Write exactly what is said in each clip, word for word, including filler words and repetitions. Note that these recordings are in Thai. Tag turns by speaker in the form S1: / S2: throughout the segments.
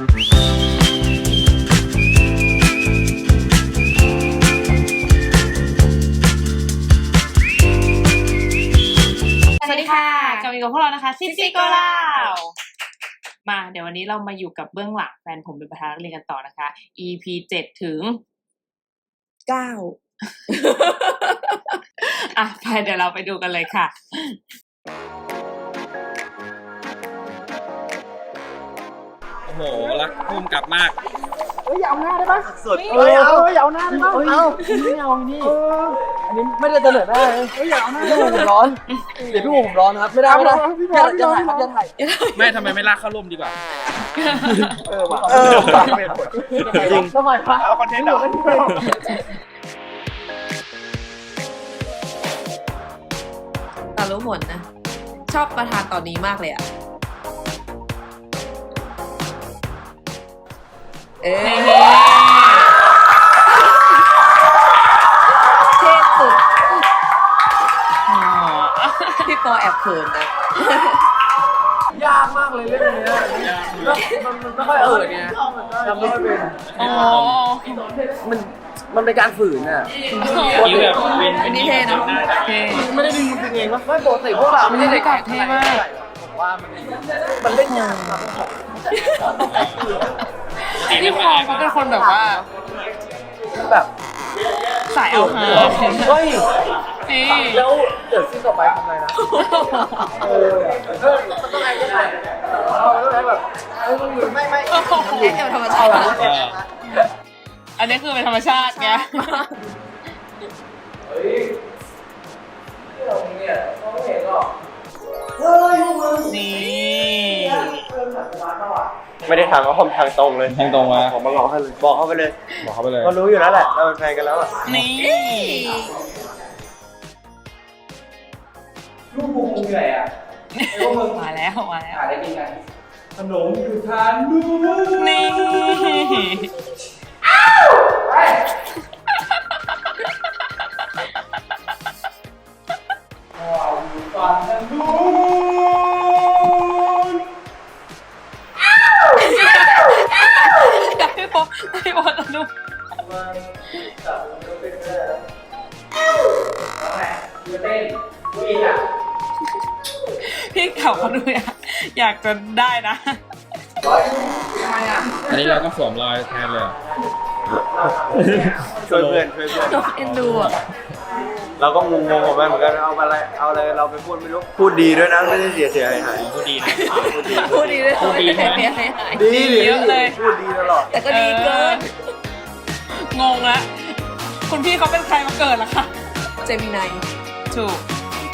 S1: สวัสดีค่ะกลับมาอยู่กับพวกเรานะคะซิซี่โกลาวมาเดี๋ยววันนี้เรามาอยู่กับเบื้องหลังแฟนผมเป็นประธานนักเรียนกันต่อนะคะ อี พี เจ็ดถึง
S2: เก้า
S1: อ่ะไปเดี๋ยวเราไปดูกันเลยค่ะ
S3: โอ้โหรักภูมิกลับมาก
S4: เฮ้ยเอาหน้าได้ปะ
S3: สุด
S4: เฮ้ยเอาเฮ้ยเอาหน้าได้ปะเอาไม่เอานี่อันนี้ไม่ได้เสนอหน้าเลยเฮ้ยเอาหน้าพี่หูผมร้อนเดี๋ยวพี่หูผมร้อนครับไม่ได้ไม่ได้อย่าอย่าถ่ายครับอย่าถ่าย
S3: ไม่ทำไมไม่ลากเข้าร่มดีกว่า
S4: เออว่ะเออว่ะจริงทำไมวะเอาคอนเทนต์เหรอ
S2: แต่รู้ผลนะชอบประธานตอนนี้มากเลยอ่ะเอ๊ะเท่สุดพี่ปอแอบเขินนะ
S4: ยากมากเลยเรื่องนี้มันมันไม่ค่อยเออไงทำไม่ค่อยเป็น
S1: อ๋อ
S4: มันมันเป็นการฝืนอ่ะ
S3: นี่แบบเป็น
S2: อันนี้เท่นะ
S4: ไม่ได้ดึงจริงเองวะไม่ปกติพวกเราไม่ได้เด็กเท่มากผมว่ามันมันเล่นยากครับ
S1: พี่พอเขาเป็นคนแบบว่า
S4: แบบ
S1: สายเอาฮา
S4: เฮ้ย
S1: นี่
S4: แล้วเดี๋ยวซีนต่อไปทำไงนะเออมันต้องไงก็ได้เอาแล้วแบบเออไม่ไม่
S2: แอบธรรมชาติ
S1: อันนี้คือเป็นธรรมชาติไง
S4: เฮ้ยที่เราเนี่ยเขาไม่เห็นหรอก
S1: นี่
S5: ไม่ได้ทางเขาผมทางตรงเลย
S3: ทางตรงมา
S5: ผมมาบอกเขาเลยบอกเขาไปเลย
S3: บอกเขาไปเลย
S5: เขารู้อยู่แล้วแหละเราเป็นแฟนกันแล้วอ่ะ
S1: นี่
S4: ลูกบุกเหนื่อยอ่ะ
S1: มาแล้วมาแล้ว
S4: หาได้กินกันขนมคือทานดู
S1: นี่
S4: อ้าวไปว้าวฟันกันดู
S1: พี่พอพี่พอจะดูพี่เขาเขาดูอยากอยากจะได้นะ
S3: อันนี้เราก็สวมรอยแทนเลย
S5: ช่วยเพื่อนช่วยเพื่อน
S2: เอ็นดูอ่ะ
S5: เราก็งงๆกับมันเหมือนกันเอาอะไรเอาอะไรเราไปพูดไม่รู้พูดดีด้วยนะไม่ได้เสียเสียหายหาย
S3: พูดดีนะ
S2: พูดดีด้วยพูดดีด้วย
S5: ดีดี
S1: เยอะเลย
S5: พูดดีตลอด
S2: แต่ก็ดีเกิน
S1: งงละคุณพี่เขาเป็นใครมาเกิดล่ะคะ
S2: เจมินาย
S1: ถูก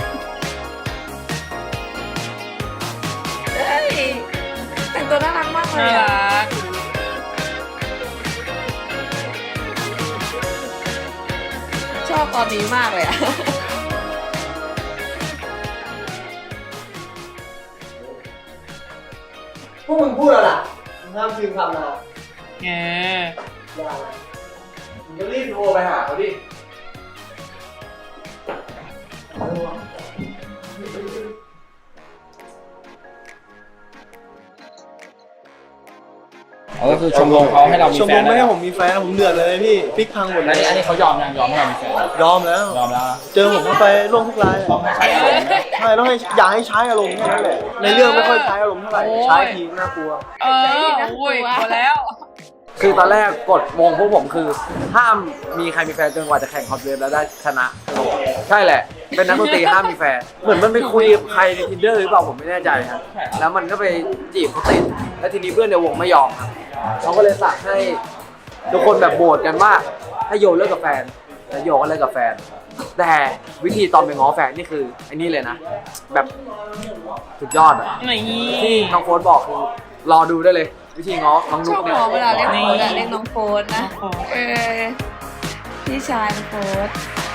S2: เฮ้ยแต่งตัวน่ารักมากเลย
S1: น่ารัก
S2: ชอบตอนนี้มากเลยอ่ะ
S4: พวกมึงพูดอะไรล่ะห้ามพิมพ์คำนะ
S1: เออ
S4: มึงก็รีบโทรไปหาเขาดิ
S3: เขาก็คือชมรมเขาให้เรามีแฟน
S5: ชมรมไม่ให้ผมมีแฟนผมเดือดเลยพี่พลิกพังหมดเลย
S3: อันนี้เขายอมยังยอมให้เรามีแฟน
S5: ยอมแล้ว
S3: ยอมแล้ว
S5: เจอผมเข้าไปร่วมทุกราย
S3: ต้องให้ใช้อารมณ์
S5: ใช่ต้องให้อยากให้ใช้อารมณ์แค่นั้นแหละในเรื่องไม่ค่อยใช้อารมณ์เท่าไหร่ใช้ทีน่ากลัว
S1: เออโอ้ยกลัวแล้ว
S4: คือตอนแรกกฎวงพวกผมคือห้ามมีใครมีแฟนจนกว่าจะแข่งคอมเพลตแล้วได้ชนะใช่แหละเป็นนักดนตรีห้ามมีแฟนเหมือนมันไปคุยกับใครใน Tinder หรือเปล่าผมไม่แน่ใจครับแล้วมันก็ไปจีบเขาติดแล้วทีนี้เพื่อนในวงไม่ยอมครับเขาก็เลยสั่งให้ทุกคนแบบโหวตกันว่าให้โยเลิกกับแฟนแล้วโยก็เลิกกับแฟนแต่วิธีตอนไปง้อแฟนนี่คือไอ้นี่เลยนะแบบสุดยอดอะที่น้องโฟนบอกคือรอดูได้เลยวิธีง้อน้องนุ๊กเนี่ย
S2: ชอบเวลาเล่นโฟนอะเล่นน้องโฟนนะเออพี่ชายน้องโฟน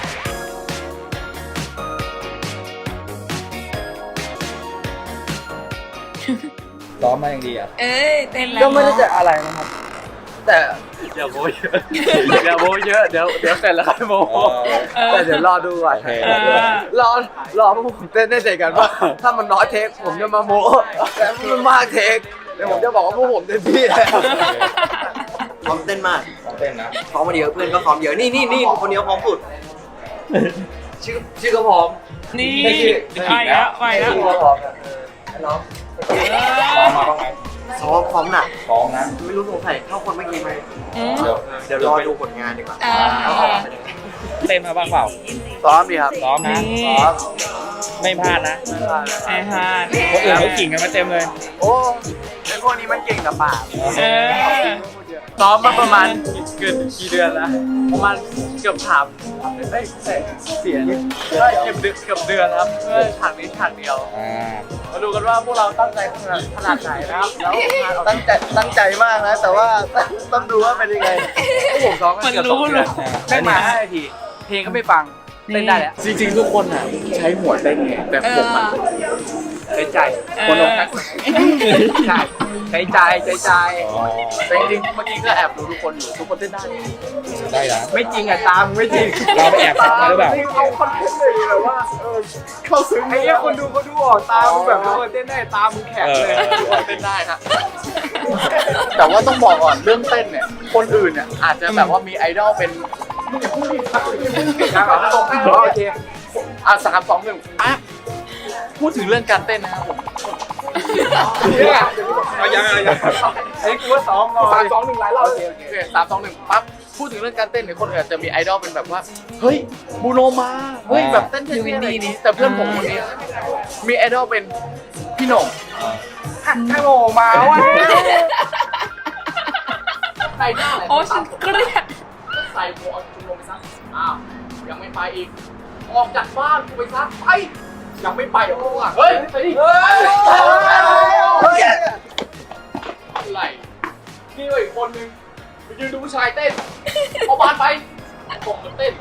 S3: ซ้อมมาอย่างดีอ่ะ
S2: เอ้ยเต้นแล้ว
S4: ก็ไม่ได้จะอะไรนะครับแต่
S5: เดี๋ยวโบเยอะเดี๋ยวโบเยอะเดี๋ยวเดี๋ยวเสร็จแล้วครับโบ
S4: แต่เดี๋ยวรอดูก่อนรอรอพวกผมเต้นได้เสร็จกันว่าถ้ามันน้อยเทคผมจะมาโมแต่มันมากเทคเดี๋ยวผมจะบอกว่าพวกผมเต็มที่แล้ว
S5: พร้อมเต้นมาก
S3: ต้องเต้นนะ
S5: พร้อมมาเยอะเพื่อนก็พร้อมเยอะนี่นี่นี่คนนี้พร้อมสุด
S4: ชื่อชื่อก็พร้อม
S1: นี่
S4: ไม่ชื่อ
S1: ไปแล้วไปแล้ว
S4: ชื่อก็พร้อมน้อง
S3: ซ้อมมาบ้างไหม
S5: ซ้อมพร้อมหนัก
S3: ซ้อมนะ
S5: ไม่รู้สงสัยเท่าคนเมื่อกี้ไหม
S1: อืม
S3: เดี๋ยว
S5: เดี๋ยวรอดูผลงานดีกว่า
S2: อ่า
S5: เอาออกมาเป็นยังไง
S3: เต้นมาบ้างเปล่า
S4: ซ้อมดีครับ
S3: ซ้อมนะ
S1: นี่
S3: ซ้อมไม่พลาดนะ
S1: ไอ้ฮาร์ด
S3: คนอื่นเขากิ่งกันมาเต็มเลย
S4: โอ้ไอพวกนี้มันเก่งกับปาก
S1: เออ
S4: ซ้อมมาประมาณเกือบกี่เดือนแล้วประมาณเกือบถามเอ้ยเสียใช่เกือบเดือนเกือบเดือนครับเพื่อฉากนี้ฉากเดียว
S3: อ่า
S4: มาดูกันว่าพวกเราตั้งใจขนาดขนาดไหนนะครับแล้วงานออก
S5: ตั้งใจตั้งใจมากนะแต่ว่าต้องดูว่าเป็นยังไง
S4: พวกผมซ้อมกันเกือบสองเดือนได้มาห้านาที เพลงก็ไม่ฟังเต้นได้แล้ว จริงๆ ทุกคนอ่ะใช้หัวเต้นไงแต่
S2: เอ
S4: ผม
S2: อ
S4: อ่ะใช้ใจ
S1: เออ
S4: คนลงกันใช่ใช้ใจใช้ใจ
S3: อ๋อ
S4: แต่จริงๆเมื่อกี้ก็แอบดูทุกคนอยู่ทุกคนเต้นได้
S3: ได้นะ
S4: ไม่จริงอ่ะตามไม่จริง
S3: เราไปแอบฟังมาหรือเปล่า
S4: เอาคอนเทนต์เลยแบบว่าเออเข้าซึ้งไอ้เนี้ยคนดูเขาดูออกตามแบบทุกคนเต้นได้ตามมึงแข็งเลยทุกคนเต้นได้ฮะแต่ว่าต้องบอกก่อนเรื่องเต้นเนี่ยคนอื่นเนี่ยอาจจะแบบว่ามีไอดอลเป็นโอเคอ่ะสามสองหนึ่งอ่ะพูดถึงเรื่องการเต้นนะครับผมเนี่ย
S3: เอายังเอายัง
S4: ไอ้กูว่าซ้อมรอสามสองหนึ่งหลายรอบโอเคโอเคสามสองหนึ่งปั๊บพูดถึงเรื่องการเต้นเนี่ยคนอื่นอาจจะมีไอดอลเป็นแบบว่าเฮ้ยบูโนมาเฮ้ยแบบเต้นเท่ๆอะไรอย่างนี้แต่เพื่อนผมคนนี้มีไอดอลเป็นพี่โหน่งฮัลโหลมาวะใส่หน้า
S1: โอ้ฉันเครียด
S4: ใส่หมวกจุลงไปซะอ้าวยังไม่ไปอีกออกจากบ้านกูไปซะไปยังไม่ไปเหรอพวกอ่ะเฮ้ยไปดิเฮ้ยอะไรนี่ก็อีกคนนึงไปยืนดูผู้ชายเต้นเอาบานไปผมมันเต้น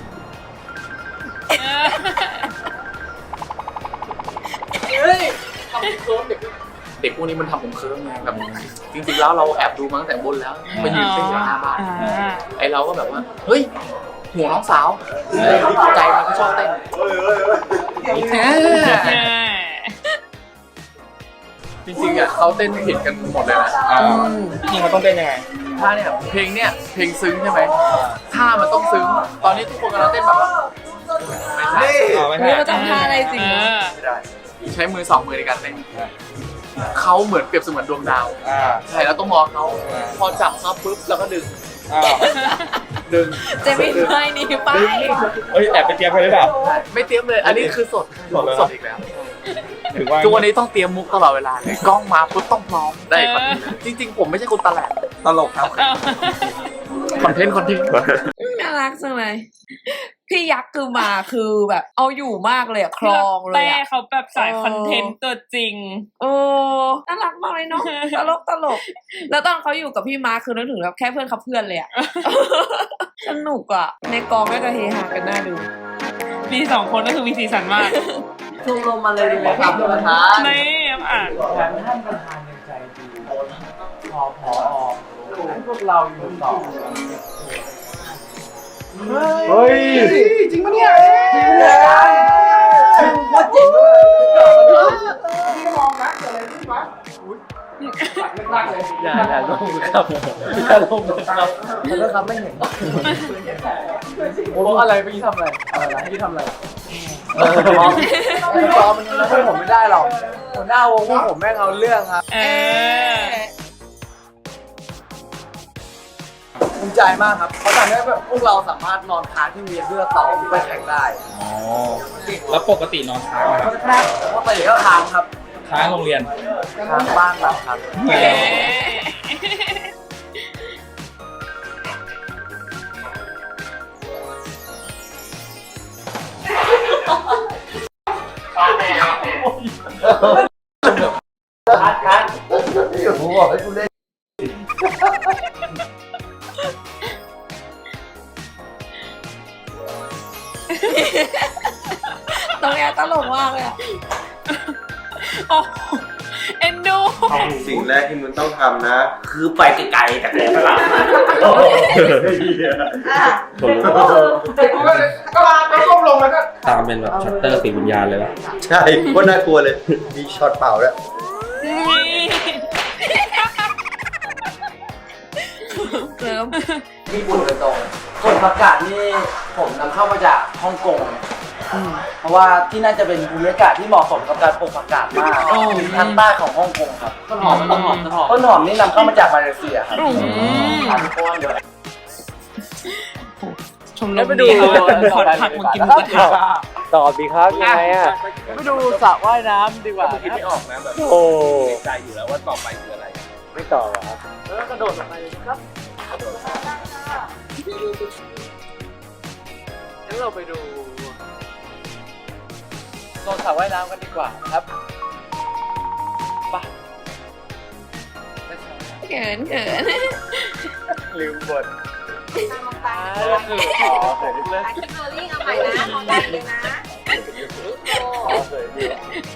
S4: เฮ้ยทำผมเคิร์ฟเด็กเด็กพวกนี้มันทำผมเคิร์ฟไงแบบจริงๆแล้วเราแอบดูมาตั้งแต่บนแล้วมายืนเต้นอยู่หน้าบ้าน
S1: อ่า
S4: ไอเราก็แบบว่าเฮ้ยห่วงน้องสาวใจมันก็ชอบเต้นจริงๆอ่ะเขาเต้นผิดกันหมดเลยนะ
S3: อ่าจริงๆมันต้องเต้นยังไง
S4: ท่าเนี่ยเพลงเนี่ยเพลงซึ้งใช่ไหมท่ามันต้องซึ้งตอนนี้ทุกคนกำลังเต้นแบบว่าไม่ใช่
S3: อ๋อไม่
S2: เฮ้ย
S3: ใช่
S2: มาทำท่าอะไรจริงเหรอ
S4: ไม่ได้ใช้มือสองมือในการเต้นเขาเหมือนเปรียบเสมือนดวงดาว
S3: อ่า
S4: ใช่แล้วต้องมองเขาพอจับเขาปุ๊บแล้วก็ดึง
S3: อ้าว
S4: ดึง
S2: จะไม่ไม่นี่ไป
S3: เฮ้ยแอบไปเตรียมไปหรือเปล่า
S4: ไม่เตรียมเลย อันนี้คือสด
S3: สดเลย
S4: สดอีกแล้ว
S3: ถึงว่า
S4: ทุกวันนี้ต้องเตรียมมุกตลอดเวลาเลยกล้องมาปุ๊บต้องพร้อมได้คอนเทนต์จริง ๆ ผมไม่ใช่คนตลก
S3: ตลกครับ
S4: คอนเทนต์คอนเทนต์
S2: น่ารักจังเลย พี่ยักษ์คือมาคือแบบเอาอยู่มากเลยอะคลองเลย
S1: แต่
S2: อะ
S1: เขาแบบสายคอนเทนต์ตัวจริง
S2: โอ้น่ารักมากเลยเนาะตลกตลก แล้วตอนเขาอยู่กับพี่มาร์คคือนึกถึงแบบแค่เพื่อนเขาเพื่อนเลยอะ สนุกอะในกองก็จะเฮฮากันน่าดู
S1: มีสองคนก็คือมีสีสันมาก
S5: ชมรมมาเลยดีไหมครับท่านประธาน
S1: ไม่อ่าน
S4: ท่านประธานยังใจดีพอพอพวกเราอยู่ต่อเฮ้ยจริงปะเนี่ยจริงเนี่ยว่าจริงด้วยนี่มองนะเกิดอะไรขึ้นวะรักเลยอย่าอย่าลงครับอย่าลงครับแล้วครับไม่เห็นโอ้อะไรเมื่อกี้ทำอะไรอะไรเมื่อกี้ทำอะไรเออรอรอมันช่วยผมไม่ได้หรอกหัวหน้าวงพวกผมแม่งเอาเรื่องครับ
S1: เออ
S4: ภูมิใจมากครับเขาทำให้แบบพวกเราสามารถนอนค้างที่มีเพื่อต่อไปแข่งได้
S3: อ๋อ แล้วปกตินอนค้างไหมครับ
S4: เพราะไปก็ค้างครับ
S3: ค้างโรงเรียน
S4: ค้างบ้านเราครับ
S1: เย้
S4: ค้างค้างผมบอกให้คุณเล่น
S2: ตรงเนี้ยตลกมากเลยอะ
S1: โอ้เอ็นดู
S5: สิ่งแรกที่มึงต้องทำนะ
S6: คือไปไกลๆจากแหลมพลัง
S4: ก็ลาไปก้มลงแล้วก็
S3: ตามเป็นแบบชัตเตอร์สีวิญญาณเลยนะ
S5: ใช่ก็น่ากลัวเลย มีช็อตเป่าด้วย
S1: นี่
S2: ม
S4: ญี่ปุ่นโดยตรงกฎประกาศนี่ผมนำเข้ามาจากฮ่องกง เพราะว่าที่นั่นจะเป็นภูมิอากาศที่เหมาะสมกับการปลูกผักกาดมากทางใต้ของฮ่องกงครับต้นหอมต้นหอมต้นหอมต้นหอมนี่นำเข้ามาจากมาเลเซียครับทานก้อนเดียว
S1: ชมรมนี้ขนผักมากินหมูกระทะ
S4: ตอบดีครับยังไงอ่ะไปดูสระว่ายน้ำดีกว่า
S3: คิดไม่ออกนะแบบ
S4: โอ้
S3: ใจอยู่แล้วว่าต่อไปคืออะไร
S4: ไม่ต่อเหรอครับแล้วกระโดดลงไปเลยครับงั้นเราไปดูโซนสระว่ายน้ำกันดีกว่าครับไป
S2: เขินเขิน
S4: ลืมบทก็คือขอเสร็จเลย
S7: คิดโรลลิ่งเอาใหม่นะมองได้เลยนะโอ้
S4: ขอเสร็จดี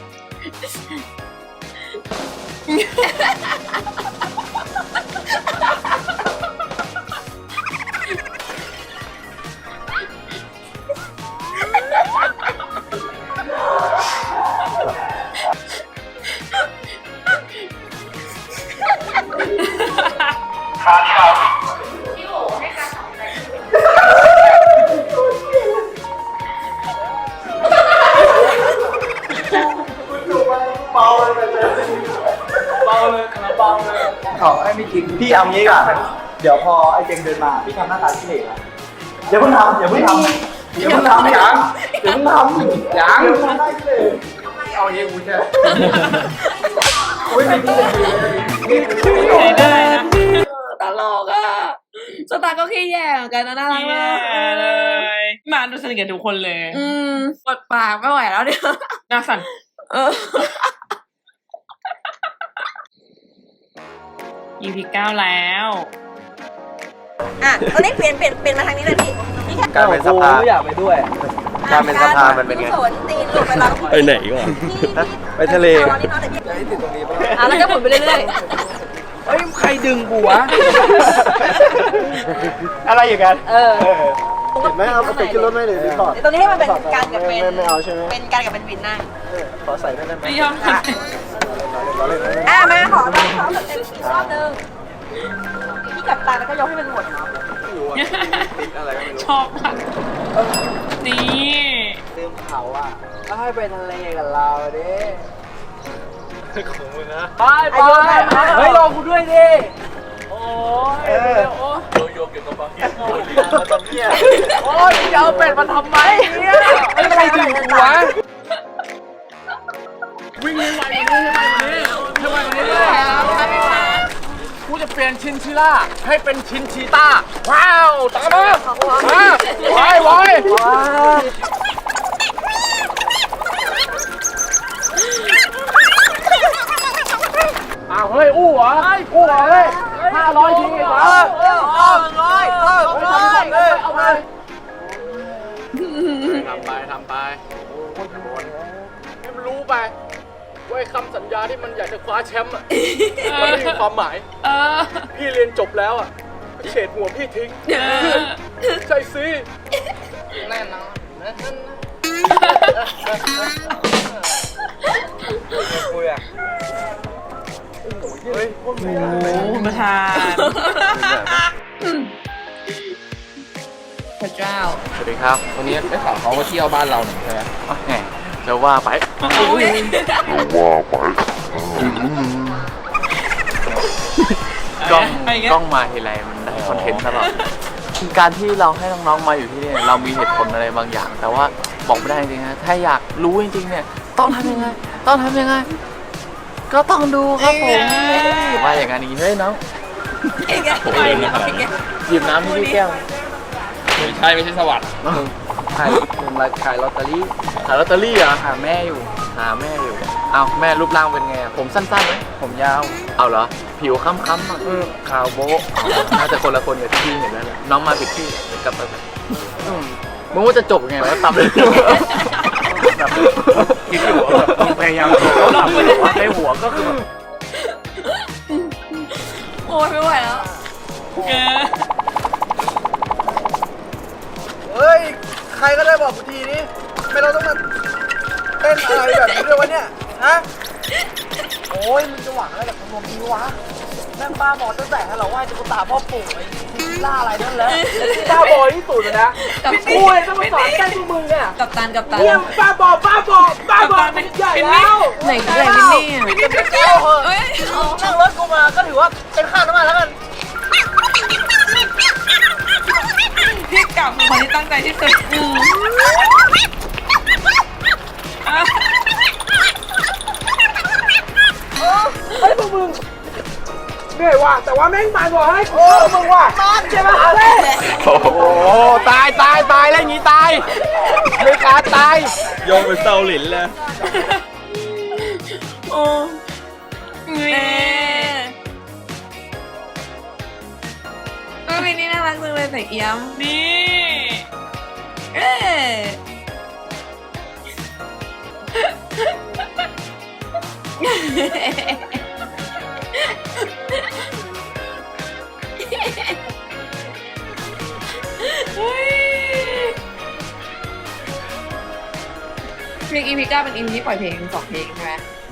S5: ขอให้ไม่จริงพี่เอางี้ก่อนเดี๋ยวพอไอ้เจงเดินมาพี่ทำหน้าตาขี้เหร่นะอย่าเพิ่งทำอย่าเพิ่งทำอย่าเพิ่งทำยังอย่าเพิ่งทำยังเอาอย่างนี้กูใช่อุ้ยไม่ดีเลย
S1: ได้นะ
S2: ตลกอ่ะสตาร์ก็ขี้แย่เหมือนกันนะน่ารัก
S1: แย่
S2: มาก
S1: เลยมาดูสนิทกับทุกคนเลย
S2: อืมปวดปากไม่ไหวแล้วเนี่ย
S1: หน้าสั่น
S2: เออ
S1: อี พี เก้าแล้ว
S7: อ่ะตอนนี้เปลี่ยนเปลี่ยนเปลี่ยนมาทางนี้เลยพี่พี่แค่
S5: การเป็นสภา
S4: อยากไปด้วย
S5: การเป็นสภามันเป็นไง
S7: สนตีนหลุดไปแล้ว
S3: ไปไหนก่อน
S5: ไปทะเล
S7: ตอนนี้เนาะแต่พี่
S4: ให้ติดตรงนี้ป่ะ
S7: อ่ะแล้วก็หมุนไปเรื่อย
S4: เฮ้ยใครดึงกูวะ
S5: อะไรอย่างนั้น
S7: ๆเออ
S5: เห็นไหมเอาไปขึ้นรถไม่เลยดีก่อน
S7: ตรงนี้ให้มันเป็นการกับเป็น
S5: ไม่เอาใช่ไหม
S7: เป็นการกับเป็นวินนั่ง
S5: ขอใส่ได้ไหม
S1: ไม่ยอมท
S5: เราเล่นนะ
S7: อ่ะมาขอรอบขอเต็มอีกรอบนึงพี่กับตาแล้วก็ยกให้มันหมดเนาะ
S5: ติดอะไรก็ไม่รู้
S1: ำชอบมากนี่
S4: ลืมเขาอ่ะก็ให้ไปทะเลกับเราดิของมึงนะไปไปเฮ้ยรอกูด้วยดิ โอ้ยเดี๋ยวโอ้ยโยกเกี่ยวกับบางทีโอ้ยมาทำเนี่ยโอ้ยจะเอาเป็ดมาทำไมเนี่ยไม่ใครดึงกูวะวิ่งเร็วไปเลยทำไมวันนี้เลยกูจะเปลี่ยนชินชิล่าให้เป็นชินชีต้าว้าวตามมามาไว้ไว้อ้าวเฮ้ยอู้เหรออู้เหรอเฮ้ยห้าร้อยทีเหรอเออเออเออร้อยเออร้อยเลยเอาไปทำไปทำไปให้มันรู้ไปว่าคำสัญญาที่มันอยากจะคว้าแชมป์อ่ะมันไม่มีความหมาย
S1: เออ
S4: พี่เรียนจบแล้วอ่ะเฉดหัวพี่ทิ้งใช่สิแน่นอนคุยอ่ะ เฮ้ย
S1: โอ้คุณประธาน
S2: พระเจ้า
S4: สวัสดีครับ
S3: วันนี้ได้ข่าวเขามาเที่ยวบ้านเราหนึ่งใช่ไหม
S4: แหมจะว่าไปกล้อง
S1: ไปอีกแล้ว
S4: กล้องมาทีไรมันได้คอนเทนต์ตลอดการที่เราให้น้องๆมาอยู่ที่นี่เรามีเหตุผลอะไรบางอย่าง แต่ว่าบอกไม่ได้จริงๆนะถ้าอยากรู้จริงๆเนี่ยต้องทำยังไงต้องทำยังไงก็ต้องดูครับผมว่าอย่างนั้นอย่างนี้เฮ้ยน้อง
S3: ผมเล่นไม่ขนาดนั้น
S4: หยิบน้ำให้พี่แก้ว
S3: ไม่ใช่ไม่ใช่สวัสดิ์
S4: ขายผมมาขายลอตเตอรี่ขายลอตเตอรี่เหรอหาแม่อยู่หาแม่อยู่เอาแม่รูปร่างเป็นไงผมสั้นๆไหมผมยาวเอาเหรอผิวค้ำๆอ่ะขาวโบ๊ะน่าจะคนละคนกับที่พี่เห็นแล้วแหละน้องมาผิดที่กลับไปอืมมึงว่าจะจบยังไงวะตับเลยแบบคิดอยู่ว่าแบบมึงพยายามตับในหัวก็คือแบบ
S2: โอ้ยไม่ไหวแล้ว
S1: เออ
S5: เฮ้ย ใครก็ได้บอกกูทีนี้ไม่เราต้องมาเต้นอะไรแบบนี้ด้วยวะเนี่ย ฮะ โอ้ยมึงจะหวังอะไรกับขนมนี้วะ
S4: แม่งบ้าบอตั้งแต่เราไหว้ตุ๊กตาพ่อปู่ไอ้ล่าอะไรนั่นแล้วบ้าบอที่สุดเลยนะ
S2: กับ
S4: กูเลยต้องมาสอนแกล้งพวกมึงเนี่ย
S2: กับตันกับตัน
S4: เนี่ยบ้าบอบ้าบอบ้าบอเป็นใหญ่แล้ว
S2: ไหนไหนมินนี่อ่ะ
S4: ไม่ได้เจ้าเหอะนั่งรถกูมาก็ถือว่าเป็นค่าน้ำมันแล้วกัน
S1: พี่กลับคนที่ตั้งใจที่สุดอืมอ่ะ
S4: เฮ้ยพวกมึงเหนื่อยว่ะแต่ว่าแม่งมันว่ะให้กูมึงว่ะใช่ไหมเฮ้ยโอ้โหตายตายตายแล้วอย่างงี้ตายไม่กล้าตาย
S3: โยงเป็นเซาหลินเลย
S1: โอ้เน่
S2: เออมินนี่น่ารักจังเลยใส่เอี้ยม
S1: นี่
S2: เอ๊เพลงอีพีเก้าเป็นอีพีที่ปล่อยเพลงสองเพลงใช่ไหม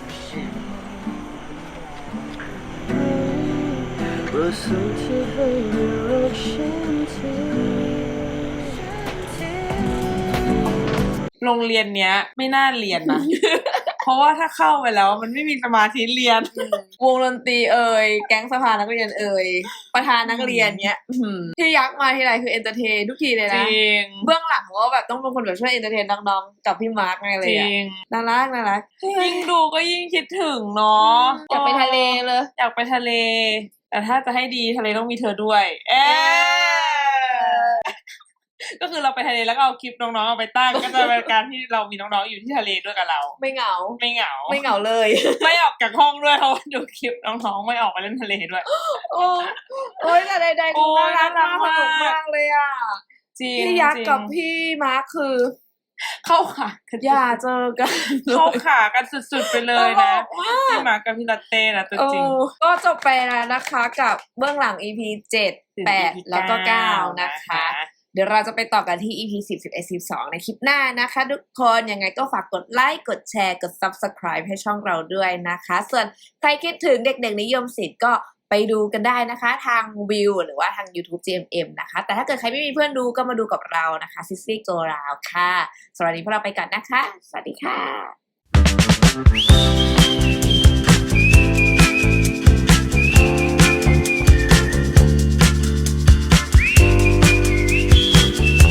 S1: โรงเรียนเนี้ย ไม่น่าเรียนนะ เพราะว่าถ้าเข้าไปแล้วมันไม่มีสมาธิเรียน
S2: วงดนตรีเอ่ยแก๊งสภานักเรียนเอ่ยประธานนักเรียนเนี้ยอื้อหือที่ยักษ์มาทีไรคือเอนเตอร์เทนทุกทีเลย
S1: จ
S2: นะ
S1: ริง
S2: เบื้องหลังก็แบบต้องเป็นคนแบบช่วยเอนเตอร์เทนน้องๆกับพี่มาร์คอะไร
S1: จ
S2: เลย
S1: ริ
S2: อะ
S1: ง
S2: น่ารักน่ารัก
S1: ยิ่งดูก็ยิ่งคิดถึงเนาะ
S2: อยากไปทะเลเลย
S1: อยากไปทะเล แต่ถ้าจะให้ดีทะเลต้องมีเธอด้วย เอ๊ก็คือเราไปทะเลแล้วก็เอาคลิปน้องๆเอาไปตั้ง ก็จะเป็นการที่เรามีน้องๆอยู่ที่ทะเลด้วยกับเรา
S2: ไม่เหงา
S1: ไม่เหงา
S2: ไม่เหงาเลย
S1: ไม่ออกจากห้องด้วยเพราะว่าดูคลิปน้องๆไม่ออกไปเล่นทะเลด้วย
S2: โอ้โอ้ยแต่ใดๆ
S1: โอ้
S2: ดู
S1: ย
S2: น่ารักมาก
S1: น่ารัก
S2: สนุก
S1: มาก
S2: มากเลยอ่ะ
S1: จริง
S2: พี่ยักษ์
S1: จริง
S2: กับพี่มาร์คคือ
S1: เข้าขากัน
S2: อย่าเจอกัน
S1: เข้าขากันสุดๆไปเลยนะ
S2: ตลกมาก
S1: พี่หมากับพี่ลาเต้นะตัว
S2: เอ
S1: จริง
S2: อก็จบไปแล้วนะคะกับเบื้องหลัง อี พี เจ็ด แปด แล้วก็เก้านะคะ เดี๋ยวเราจะไปต่อกันที่ อี พี สิบ สิบเอ็ด สิบสองในคลิปหน้านะคะทุกคนยังไงก็ฝากกดไลค์กดแชร์กด ซับสไครบ์ ให้ช่องเราด้วยนะคะ ส่วนใครคิดถึงเด็กๆนิยมศิลป์ก็ไปดูกันได้นะคะทางวิวหรือว่าทาง YouTube จี เอ็ม เอ็ม นะคะแต่ถ้าเกิดใครไม่มีเพื่อนดูก็มาดูกับเรานะคะซิสซี่โกราวค่ะสวัสดีพวกเราไปก่อนนะคะสวัสดีค่ะ